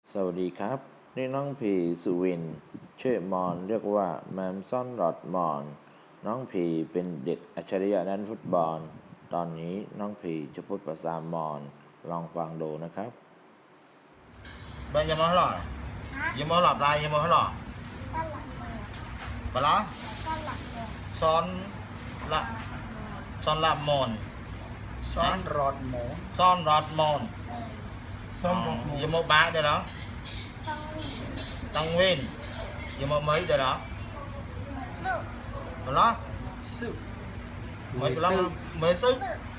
สวัสดีครับนี่น้องพีสุวินชื่อมอนเรียกว่าแมมซ่อนรอดมอนน้องพีเป็นเด็กอัจฉริยะด้านฟุตบอลตอนนี้น้องพีจะพูดภาษามอนลองฟังดูนะครับ Bây giờ mới lọ giờ mới lọt lại giờ mới lọ bà lá son là mòn Son rọt mổ son rọt mòn Son rọt mổ giờ mới bá đây đó tăng nguyên giờ mới mấy đây đó bà lá Sự mấy bà lá mấy sức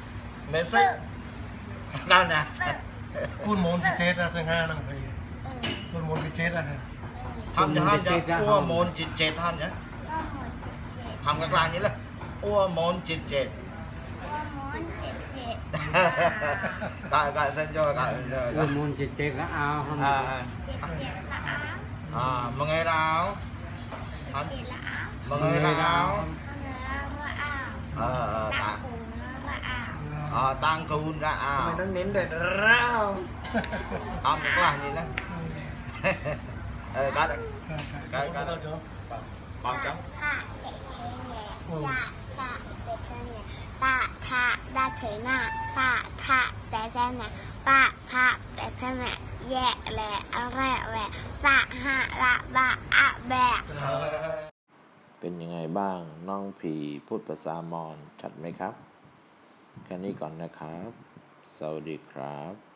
cao nè คุณโมนที่เจ็ดนะซึ่งห้านั่งไปคุณโมนที่เจ็ดนะ hâm cho ua môn chịt chệt hâm nhá hâm các lại như là ua môn chịt chệt gọi xin cho gọi môn chết chết là ao không mà ngày nào mà ngày nào tăng cùn ra ทำไมต้องเน้นเด็ดร้าว hâm các lại như là cái đấy cái ตัวโจ๊ก bằng chấm ป้าทะได้เถยหน้าป้าทะแต่แค่ไหนป้าพะแต่แค่ไหนแย่แหละอะไรแหละป้าหะละบะอะแบะเป็นยังไงบ้างน้องพีพูดภาษามอนชัดไหมครับแค่นี้ก่อนนะครับสวัสดีครับ